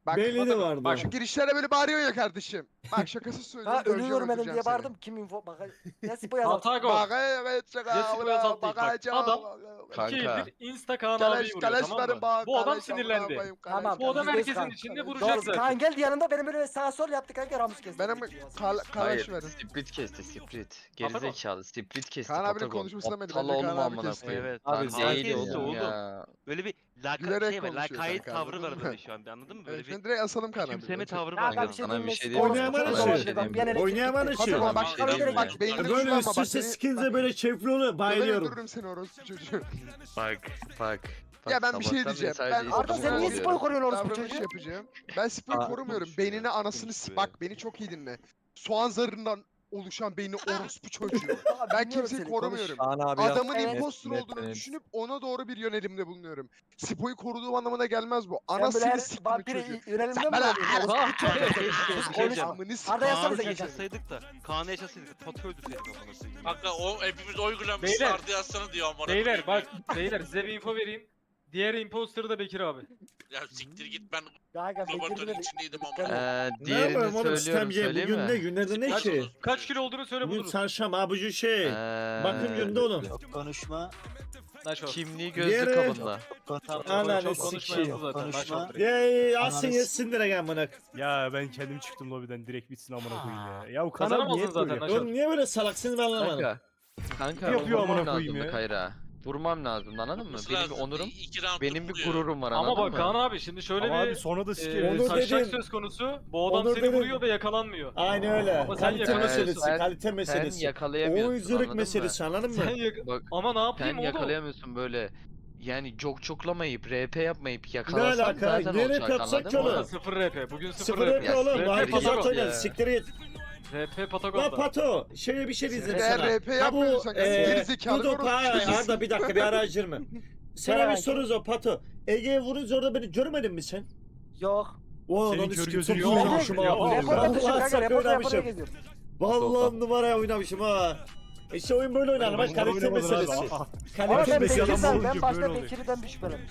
[SPEAKER 7] Bak,
[SPEAKER 1] Belli de vardı.
[SPEAKER 7] bak şu girişlere böyle bağırıyorsun ya kardeşim. Bak şakası söylüyorum.
[SPEAKER 3] Ha
[SPEAKER 7] döveceğim,
[SPEAKER 3] ölüyorum benim
[SPEAKER 7] öldüreceğim
[SPEAKER 3] diye
[SPEAKER 7] seni.
[SPEAKER 3] bağırdım. Kim info bak. Ya Sipo yazar.
[SPEAKER 4] Patagon.
[SPEAKER 7] Bak evet şaka.
[SPEAKER 4] Jessica
[SPEAKER 7] bra,
[SPEAKER 4] Yazat değil, bak.
[SPEAKER 7] bakacağım.
[SPEAKER 4] Adam-
[SPEAKER 10] Kanka.
[SPEAKER 4] İki bir Insta Kaan
[SPEAKER 7] Kaleş,
[SPEAKER 4] abiyi vuruyor
[SPEAKER 7] kaleş
[SPEAKER 4] tamam
[SPEAKER 7] verin
[SPEAKER 4] mı?
[SPEAKER 7] bak,
[SPEAKER 4] Bu adam
[SPEAKER 7] kaleş,
[SPEAKER 4] sinirlendi.
[SPEAKER 7] amına koyayım, kaleş.
[SPEAKER 3] Tamam.
[SPEAKER 4] Bu adam
[SPEAKER 3] yüzde yüz
[SPEAKER 4] herkesin
[SPEAKER 3] kanka.
[SPEAKER 4] içinde
[SPEAKER 3] Doğru.
[SPEAKER 4] vuracak zaten.
[SPEAKER 3] Kaan geldi yanında benim böyle sağ sol yaptı kanka Ramus kesti.
[SPEAKER 7] Benim kal kaleş
[SPEAKER 10] Hayır,
[SPEAKER 7] verin.
[SPEAKER 10] split kesti, split.
[SPEAKER 4] Patagon.
[SPEAKER 10] Gerizekalı, split kesti.
[SPEAKER 7] Kaan abinin
[SPEAKER 10] Patagon.
[SPEAKER 7] konuşmasına beni,
[SPEAKER 10] Aptal
[SPEAKER 7] bence
[SPEAKER 10] olma
[SPEAKER 7] Kaan abi
[SPEAKER 10] amına
[SPEAKER 7] kesti.
[SPEAKER 10] koyayım.
[SPEAKER 8] Evet.
[SPEAKER 2] Abi
[SPEAKER 10] Lan
[SPEAKER 8] Kaan
[SPEAKER 10] değil
[SPEAKER 8] kesti
[SPEAKER 10] oğlum
[SPEAKER 8] oğlum.
[SPEAKER 10] ya.
[SPEAKER 8] Böyle bir laka
[SPEAKER 7] Gülerek
[SPEAKER 8] şey var.
[SPEAKER 7] konuşuyor
[SPEAKER 8] Lakayt
[SPEAKER 7] kanka,
[SPEAKER 8] tavrı var
[SPEAKER 7] anladın
[SPEAKER 8] böyle
[SPEAKER 7] mı?
[SPEAKER 8] şu an anladın mı? Böyle
[SPEAKER 7] Evet,
[SPEAKER 8] bir
[SPEAKER 7] ben direkt asalım Kaan abi.
[SPEAKER 8] küçümseme tavrı
[SPEAKER 3] Ya
[SPEAKER 8] var.
[SPEAKER 3] ben bir şey
[SPEAKER 10] Sana bir
[SPEAKER 3] diyeyim.
[SPEAKER 10] şey
[SPEAKER 3] mi?
[SPEAKER 10] diyeyim mi?
[SPEAKER 1] Oynayaman
[SPEAKER 3] Konuşma,
[SPEAKER 1] için.
[SPEAKER 3] konuşma, ben bir an elektrik
[SPEAKER 1] Oynayaman
[SPEAKER 3] gitti.
[SPEAKER 1] için.
[SPEAKER 3] Patagon,
[SPEAKER 7] Bak
[SPEAKER 3] bak,
[SPEAKER 10] şey
[SPEAKER 7] bak
[SPEAKER 10] diyeyim
[SPEAKER 7] bak
[SPEAKER 10] mi?
[SPEAKER 7] beynini
[SPEAKER 1] Böyle
[SPEAKER 7] kullanma
[SPEAKER 1] üst
[SPEAKER 7] bak.
[SPEAKER 1] üste
[SPEAKER 7] Seni
[SPEAKER 1] skills'e böyle çevre oluyor.
[SPEAKER 7] döverim
[SPEAKER 1] Bayılıyorum.
[SPEAKER 7] öldürürüm seni orospu çocuğu.
[SPEAKER 10] Bak, bak.
[SPEAKER 7] Ya ben bir şey
[SPEAKER 10] sabahtan beri
[SPEAKER 7] diyeceğim.
[SPEAKER 10] sadece
[SPEAKER 7] Ben-
[SPEAKER 10] İstanbul'u
[SPEAKER 3] Arda sen niye
[SPEAKER 10] koruyorum.
[SPEAKER 3] Sipo'yu koruyorsun orospu
[SPEAKER 7] Davranış
[SPEAKER 3] çocuğu?
[SPEAKER 7] yapacağım. Ben Spo'yu
[SPEAKER 2] Aa,
[SPEAKER 7] korumuyorum.
[SPEAKER 8] konuşuyor
[SPEAKER 7] Beynine
[SPEAKER 8] ya,
[SPEAKER 7] anasını
[SPEAKER 8] konuşuyor
[SPEAKER 7] s-
[SPEAKER 8] ya.
[SPEAKER 7] bak beni çok iyi dinle. Soğan zarından oluşan beyni orospu çocuğu.
[SPEAKER 3] Abi,
[SPEAKER 7] Ben
[SPEAKER 3] dinliyorum
[SPEAKER 7] kimseyi
[SPEAKER 3] seni,
[SPEAKER 7] korumuyorum.
[SPEAKER 2] Kaan abi
[SPEAKER 7] Adamın
[SPEAKER 3] Evet.
[SPEAKER 7] impostor
[SPEAKER 2] Net,
[SPEAKER 7] olduğunu
[SPEAKER 2] net.
[SPEAKER 7] düşünüp ona doğru bir yönelimde bulunuyorum. Spo'yu koruduğum anlamına gelmez bu.
[SPEAKER 3] Sen böyle
[SPEAKER 7] Anasını
[SPEAKER 3] her
[SPEAKER 7] siktim
[SPEAKER 3] vampire
[SPEAKER 7] çocuğu.
[SPEAKER 3] yönelimde mi
[SPEAKER 7] Sen bana
[SPEAKER 3] oluyorsun?
[SPEAKER 7] her-
[SPEAKER 3] Orospu çocuğu.
[SPEAKER 8] Keşke-
[SPEAKER 3] Konuş.
[SPEAKER 8] keşke-
[SPEAKER 7] Amını s-
[SPEAKER 3] Arda yazsanıza
[SPEAKER 8] Kaan'ı
[SPEAKER 3] geçen.
[SPEAKER 8] yaşasaydık da Kaan'ı yaşasaydık Patı öldürseydik amına koyayım.
[SPEAKER 9] Kanka o hepimiz oy
[SPEAKER 4] Beyler.
[SPEAKER 9] kullanmışlardı yazsana diyor amına.
[SPEAKER 4] Beyler bak beyler size bir info vereyim. Diğer imposter da Bekir abi.
[SPEAKER 9] Ya siktir git ben
[SPEAKER 3] Kanka
[SPEAKER 9] laboratuvarın
[SPEAKER 3] Bekir'in
[SPEAKER 9] içindeydim
[SPEAKER 3] Bekir'in-
[SPEAKER 9] ama.
[SPEAKER 10] Ee,
[SPEAKER 1] Ne
[SPEAKER 10] diğerini
[SPEAKER 1] yapalım oğlum
[SPEAKER 10] söylüyorum,
[SPEAKER 1] sistemci
[SPEAKER 10] söyleyeyim
[SPEAKER 1] bugün ne
[SPEAKER 10] mi?
[SPEAKER 1] günlerden ne
[SPEAKER 9] Kaç
[SPEAKER 1] ki?
[SPEAKER 9] olur?
[SPEAKER 4] Kaç kilo olduğunu söyle
[SPEAKER 1] Bugün
[SPEAKER 4] buluruz.
[SPEAKER 1] çarşamba abucu şey.
[SPEAKER 10] Ee,
[SPEAKER 1] Bakım gününde oğlum.
[SPEAKER 6] Konuşma.
[SPEAKER 4] Naşo.
[SPEAKER 10] Kimliği gözlü
[SPEAKER 1] Diğeri-
[SPEAKER 10] kabında.
[SPEAKER 4] Tamam,
[SPEAKER 1] Ananı
[SPEAKER 4] çok konuşma
[SPEAKER 1] sikeyim.
[SPEAKER 4] yazdı zaten.
[SPEAKER 6] Konuşma.
[SPEAKER 4] Naşo direkt.
[SPEAKER 1] Yey asın
[SPEAKER 6] Ananı
[SPEAKER 1] yesin direkt amına.
[SPEAKER 5] Ya ben kendim çıktım lobiden direkt bitsin amına koyayım ya. Ya bu kanal
[SPEAKER 4] Kazanamazsın
[SPEAKER 5] niye
[SPEAKER 4] zaten
[SPEAKER 5] böyle?
[SPEAKER 4] Naşo.
[SPEAKER 1] Oğlum niye böyle salaksın ben anlamadım.
[SPEAKER 10] Kanka. Kanka
[SPEAKER 5] Yapıyor
[SPEAKER 10] vurmam
[SPEAKER 5] amına koyayım
[SPEAKER 10] lazımdı
[SPEAKER 5] ya.
[SPEAKER 10] Kayra. Vurmam lazımdı anladın mı?
[SPEAKER 9] Nasıl
[SPEAKER 10] Benim
[SPEAKER 9] lazım?
[SPEAKER 10] bir onurum,
[SPEAKER 9] İ- iki round
[SPEAKER 10] benim bir
[SPEAKER 9] vuruyor.
[SPEAKER 10] gururum var
[SPEAKER 4] Ama
[SPEAKER 10] anladın
[SPEAKER 4] bak
[SPEAKER 10] mı?
[SPEAKER 4] Kaan abi şimdi şöyle
[SPEAKER 5] Ama abi
[SPEAKER 4] bir
[SPEAKER 5] sonra da
[SPEAKER 4] e,
[SPEAKER 5] sikerim.
[SPEAKER 1] Onur
[SPEAKER 4] taşak
[SPEAKER 1] dedim.
[SPEAKER 4] söz konusu. Bu adam
[SPEAKER 1] Onur
[SPEAKER 4] seni
[SPEAKER 1] dedim.
[SPEAKER 4] vuruyor ve yakalanmıyor.
[SPEAKER 1] Aynen öyle.
[SPEAKER 4] Ama sen
[SPEAKER 1] Kalite
[SPEAKER 4] yakalamıyorsun.
[SPEAKER 1] meselesi,
[SPEAKER 10] Sen-
[SPEAKER 1] kalite
[SPEAKER 10] Sen
[SPEAKER 1] meselesi.
[SPEAKER 10] yakalayamıyorsun
[SPEAKER 1] Oyunculuk
[SPEAKER 10] anladın mı?
[SPEAKER 1] meselesi anladın mı?
[SPEAKER 4] Sen yak-
[SPEAKER 10] Bak,
[SPEAKER 4] Ama ne yapayım
[SPEAKER 10] sen
[SPEAKER 4] oğlum?
[SPEAKER 10] yakalayamıyorsun böyle. Yani çok çoklamayıp, R P yapmayıp
[SPEAKER 1] Ne
[SPEAKER 10] yakalasan
[SPEAKER 1] alaka?
[SPEAKER 10] zaten
[SPEAKER 1] Ne
[SPEAKER 10] olacak
[SPEAKER 1] rap yapsak
[SPEAKER 10] anladın
[SPEAKER 1] ki
[SPEAKER 10] mı?
[SPEAKER 1] oğlum?
[SPEAKER 4] Orada sıfır R P. Bugün sıfır,
[SPEAKER 1] Sıfır
[SPEAKER 4] R P.
[SPEAKER 1] yapıyor oğlum.
[SPEAKER 10] Ya,
[SPEAKER 1] Daha
[SPEAKER 10] siktir
[SPEAKER 1] hepsi
[SPEAKER 10] git
[SPEAKER 1] zaten
[SPEAKER 10] ya.
[SPEAKER 1] oynadı. Siktir git.
[SPEAKER 4] R P
[SPEAKER 1] La
[SPEAKER 4] Patagon'da.
[SPEAKER 1] Pato, şöyle bir şey diyeceğim
[SPEAKER 7] Eğer
[SPEAKER 1] sana.
[SPEAKER 7] R P
[SPEAKER 1] Ha bu
[SPEAKER 7] yapmıyorsan
[SPEAKER 1] eee
[SPEAKER 7] gerizekalı
[SPEAKER 1] Dudu Pa
[SPEAKER 7] orospu
[SPEAKER 1] Arda bir dakika bir aracır mı? Sana bir
[SPEAKER 3] belki.
[SPEAKER 1] soru zor Pato. Ege'ye vurunca orada beni görmedin mi sen?
[SPEAKER 3] Yok.
[SPEAKER 1] Oo
[SPEAKER 5] Senin
[SPEAKER 1] lan
[SPEAKER 5] kör
[SPEAKER 1] çok
[SPEAKER 5] gözün
[SPEAKER 1] iyi
[SPEAKER 5] yok.
[SPEAKER 1] oynamışım ha.
[SPEAKER 5] Yok.
[SPEAKER 3] Reporta düşün
[SPEAKER 1] Vallahi
[SPEAKER 3] kanka.
[SPEAKER 1] sakın
[SPEAKER 3] Reporta yapmaya
[SPEAKER 1] oynamışım.
[SPEAKER 3] geziyorum.
[SPEAKER 1] Vallahi numaraya oynamışım ha. İşte oyun böyle oynanır bak kalite
[SPEAKER 5] Oynamadın abi.
[SPEAKER 1] meselesi.
[SPEAKER 5] Aa,
[SPEAKER 3] Ama
[SPEAKER 1] Kalite
[SPEAKER 3] ben
[SPEAKER 5] Bekir'den
[SPEAKER 1] meselesi.
[SPEAKER 3] Bekir'den,
[SPEAKER 5] olunca
[SPEAKER 3] ben başta
[SPEAKER 5] böyle oluyor.
[SPEAKER 3] Bekir'den bir şüphelendim.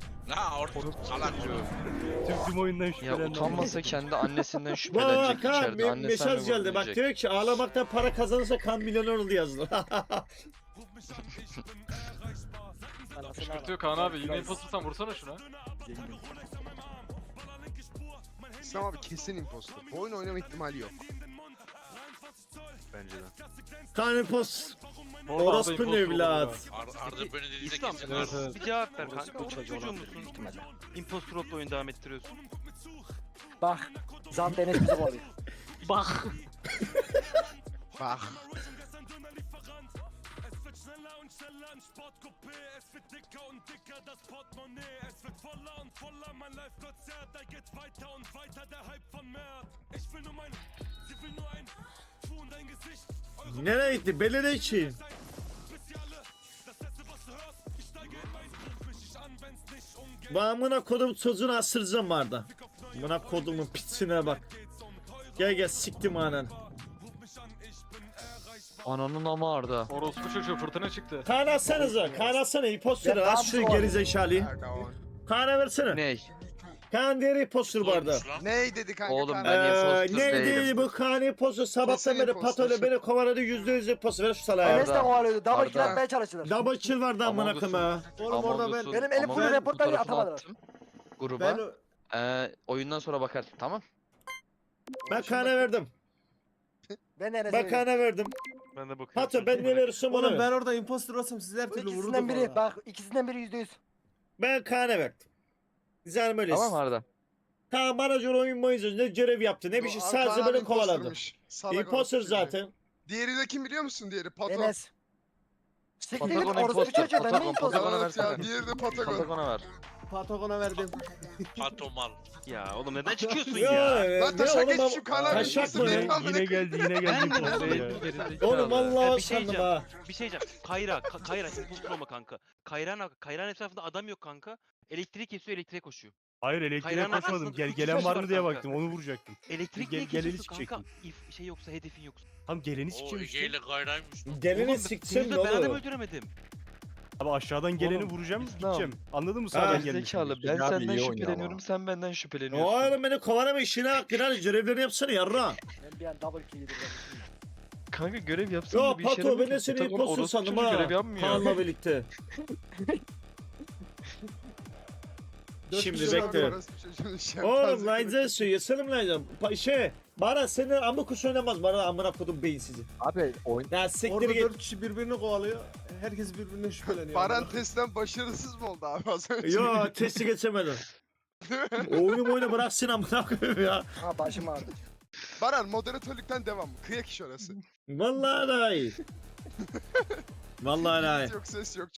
[SPEAKER 9] Ha orta salak.
[SPEAKER 5] Tüm tüm oyundan
[SPEAKER 10] Ya
[SPEAKER 5] şüphelendim.
[SPEAKER 10] utanmasa kendi annesinden
[SPEAKER 1] Bak
[SPEAKER 10] şüphelenecek
[SPEAKER 1] ha
[SPEAKER 10] içeride.
[SPEAKER 1] bir
[SPEAKER 10] Annesinden
[SPEAKER 1] mesaj geldi bak
[SPEAKER 10] vurmayacak.
[SPEAKER 1] diyor ki ağlamaktan para kazanırsa kan milyoner oldu yazdı.
[SPEAKER 4] Kışkırtıyor Kaan abi. Yine impostersan vursana şuna.
[SPEAKER 7] İslam abi kesin impostor. Bu oyun oynama ihtimali yok.
[SPEAKER 8] Bence de.
[SPEAKER 1] Kanepos.
[SPEAKER 4] Orada Arda
[SPEAKER 1] Orospu
[SPEAKER 4] imposter olur
[SPEAKER 1] evlat.
[SPEAKER 4] ya.
[SPEAKER 9] Ar Arda böyle dediğinde
[SPEAKER 8] İslam
[SPEAKER 9] kesin
[SPEAKER 4] Evet,
[SPEAKER 9] var.
[SPEAKER 4] evet.
[SPEAKER 8] bir cevap ver kanka.
[SPEAKER 3] Orospu
[SPEAKER 8] Orospu
[SPEAKER 3] çocuğu
[SPEAKER 8] çocuğu
[SPEAKER 3] olabilir,
[SPEAKER 8] musun?
[SPEAKER 3] ihtimalle.
[SPEAKER 8] Impostor Road'la oyunu devam ettiriyorsun.
[SPEAKER 3] Bak. Zam Enes bizi kovalıyor.
[SPEAKER 4] Bak.
[SPEAKER 7] Bak.
[SPEAKER 1] Nereye gitti? Belediye için. Bu amına kodum çocuğunu asıracağım vardı. Amına kodumun pisine bak. Gel gel siktim anan.
[SPEAKER 10] Ananın ama Arda.
[SPEAKER 4] Orospu çocuğu fırtına çıktı.
[SPEAKER 1] Kaan atsanıza. Kaan atsana imposter'ı.
[SPEAKER 3] Ya,
[SPEAKER 1] Az şu
[SPEAKER 3] tamam,
[SPEAKER 1] gerizekalıyı. Kaan'a versene.
[SPEAKER 10] Ney?
[SPEAKER 1] Kaan diğer imposter bu arada.
[SPEAKER 9] Olmuş lan.
[SPEAKER 7] Ney dedi kanka?
[SPEAKER 10] Oğlum
[SPEAKER 7] Kaan?
[SPEAKER 10] ben
[SPEAKER 1] Eee
[SPEAKER 10] imposter
[SPEAKER 1] ne
[SPEAKER 10] değilim.
[SPEAKER 1] değil bu Kaan imposter sabahtan
[SPEAKER 7] Kesin
[SPEAKER 1] beri
[SPEAKER 7] imposter.
[SPEAKER 1] Pato'yla beni kovaladı yüzde yüz imposter. Ver şu salağa.
[SPEAKER 3] Enes de
[SPEAKER 10] Arda.
[SPEAKER 3] kovalıyordu. Double kill
[SPEAKER 10] Arda.
[SPEAKER 3] atmaya çalıştılar.
[SPEAKER 1] Double kill vardı amına
[SPEAKER 10] Among
[SPEAKER 1] koyayım ha.
[SPEAKER 10] Us'un-
[SPEAKER 6] Oğlum orada
[SPEAKER 10] Among
[SPEAKER 6] ben-
[SPEAKER 10] Us'un-
[SPEAKER 3] Benim elim
[SPEAKER 10] Among
[SPEAKER 3] full
[SPEAKER 10] Us'un
[SPEAKER 3] reportlar
[SPEAKER 10] fotoğrafını
[SPEAKER 3] atamadılar.
[SPEAKER 10] attım gruba.
[SPEAKER 6] Ben
[SPEAKER 10] Ee, oyundan sonra bakar tamam.
[SPEAKER 1] Ben Kaan'a verdim.
[SPEAKER 3] Ben de Enes'e
[SPEAKER 1] Ben
[SPEAKER 3] veriyorum.
[SPEAKER 1] Kaan'a verdim.
[SPEAKER 8] Ben de bakıyorum.
[SPEAKER 1] Pato ben ne verirsem
[SPEAKER 6] Oğlum
[SPEAKER 1] onu.
[SPEAKER 6] ben orada imposter olsam siz her
[SPEAKER 3] Bu
[SPEAKER 6] türlü
[SPEAKER 3] ikisinden
[SPEAKER 6] vururdum
[SPEAKER 3] biri.
[SPEAKER 6] orada.
[SPEAKER 3] Bak ikisinden biri yüzde yüz.
[SPEAKER 1] Ben Kaan'a verdim. Güzel böyleyiz.
[SPEAKER 10] Tamam Arda.
[SPEAKER 1] Kaan bana göre oyun boyunca ne görev yaptı ne bir şey
[SPEAKER 7] Kaan
[SPEAKER 1] sadece
[SPEAKER 7] abi
[SPEAKER 1] böyle kovaladı.
[SPEAKER 7] impostermiş. Salak
[SPEAKER 1] Imposter
[SPEAKER 7] orospu çocuğu.
[SPEAKER 1] zaten.
[SPEAKER 7] Diğeri de kim biliyor musun diğeri? Pato.
[SPEAKER 3] Enes. Siktir git
[SPEAKER 10] Patagon
[SPEAKER 3] orospu
[SPEAKER 10] imposter,
[SPEAKER 3] çocuğu. Ben de
[SPEAKER 10] Patagon,
[SPEAKER 3] imposter.
[SPEAKER 10] Patagon'a
[SPEAKER 7] Evet ya
[SPEAKER 10] versene.
[SPEAKER 7] diğeri de Patagon.
[SPEAKER 10] Patagon'a ver.
[SPEAKER 6] Patagon'a verdim.
[SPEAKER 9] Pato mal.
[SPEAKER 8] Ya oğlum neden çıkıyorsun
[SPEAKER 1] Ya,
[SPEAKER 8] ya?
[SPEAKER 1] e,
[SPEAKER 7] Lan
[SPEAKER 1] ne
[SPEAKER 7] taşak
[SPEAKER 1] oğlum,
[SPEAKER 7] geçmişim Kaan abi
[SPEAKER 1] taşak
[SPEAKER 7] imposter
[SPEAKER 1] mı?
[SPEAKER 7] değilim amına
[SPEAKER 5] Yine
[SPEAKER 7] koyayım.
[SPEAKER 5] geldi yine geldi
[SPEAKER 8] Ben de
[SPEAKER 5] imposter
[SPEAKER 8] ben
[SPEAKER 5] ya.
[SPEAKER 8] de-
[SPEAKER 1] Oğlum
[SPEAKER 8] Ya
[SPEAKER 1] vallahi
[SPEAKER 8] bir şey
[SPEAKER 1] sandım
[SPEAKER 8] diyeceğim.
[SPEAKER 1] ha.
[SPEAKER 8] Bir şey diyeceğim. Kayra, Ka- Kayra impostor olma kanka. Kayra'nın Kayra'nın etrafında adam yok kanka. Elektrik kesiyor, elektriğe koşuyor.
[SPEAKER 5] Hayır elektriğe
[SPEAKER 8] Kayra'nın
[SPEAKER 5] koşmadım.
[SPEAKER 8] arkasında
[SPEAKER 5] Gel
[SPEAKER 8] üç
[SPEAKER 5] gelen
[SPEAKER 8] kişi
[SPEAKER 5] var
[SPEAKER 8] var
[SPEAKER 5] mı diye
[SPEAKER 8] kanka.
[SPEAKER 5] baktım. Onu vuracaktım.
[SPEAKER 8] Elektrik
[SPEAKER 5] Gel-
[SPEAKER 8] niye
[SPEAKER 5] geleni
[SPEAKER 8] kesiyorsun kanka?
[SPEAKER 5] sikecektim.
[SPEAKER 8] If şey yoksa, hedefin yoksa.
[SPEAKER 5] Tam geleni
[SPEAKER 9] O
[SPEAKER 5] sikeceğim
[SPEAKER 9] Ege
[SPEAKER 5] işte.
[SPEAKER 9] ile gayraymış.
[SPEAKER 1] Gelini
[SPEAKER 8] Oğlum,
[SPEAKER 1] siksin
[SPEAKER 8] seni
[SPEAKER 1] ne
[SPEAKER 8] de ben adam
[SPEAKER 1] olur.
[SPEAKER 8] öldüremedim.
[SPEAKER 5] Abi aşağıdan geleni
[SPEAKER 10] Oğlum,
[SPEAKER 5] vuracağım
[SPEAKER 10] İslam.
[SPEAKER 5] gideceğim. Anladın mı
[SPEAKER 1] Ha.
[SPEAKER 5] sağdan
[SPEAKER 10] Zekalı
[SPEAKER 5] gelmişim.
[SPEAKER 10] ben
[SPEAKER 2] Abi
[SPEAKER 10] senden
[SPEAKER 2] iyi oynuyor
[SPEAKER 10] şüpheleniyorum
[SPEAKER 2] ama.
[SPEAKER 10] sen benden şüpheleniyorsun.
[SPEAKER 1] Oğlum beni kovalama işine bak Giral görevlerini yapsana yarra.
[SPEAKER 3] Ben bir an double kill yedim.
[SPEAKER 10] Kanka görev yapsın
[SPEAKER 1] Ya
[SPEAKER 10] da bir işe
[SPEAKER 1] Pato
[SPEAKER 10] yaramıyor
[SPEAKER 1] ben de
[SPEAKER 10] ki.
[SPEAKER 1] seni
[SPEAKER 10] Takım
[SPEAKER 1] impostor
[SPEAKER 10] orospu
[SPEAKER 1] sandım
[SPEAKER 10] çocuğu
[SPEAKER 1] ha.
[SPEAKER 10] görev yapmıyor.
[SPEAKER 1] Kaan'la birlikte. Şimdi bekle. Oğlum Line'den söylüyor. Selim Line'den. Pa- Şey. Bana seni amına kuş oynamaz. Bana amına kodum beyinsizi.
[SPEAKER 2] Abi oyun
[SPEAKER 1] Ya siktir
[SPEAKER 11] Orada
[SPEAKER 1] git.
[SPEAKER 11] dört kişi birbirini kovalıyor. Herkes birbirine şüpheleniyor.
[SPEAKER 7] Baran testten başarısız mı oldu abi az önce?
[SPEAKER 1] Yo testi geçemedim. Oyunu oyunu bıraksın amına koyayım ya.
[SPEAKER 3] Ha başım ağrıdı.
[SPEAKER 7] Baran moderatörlükten devam. Kıyak iş orası.
[SPEAKER 1] Vallahi daha iyi. Vallahi daha iyi.
[SPEAKER 7] Yok ses yok.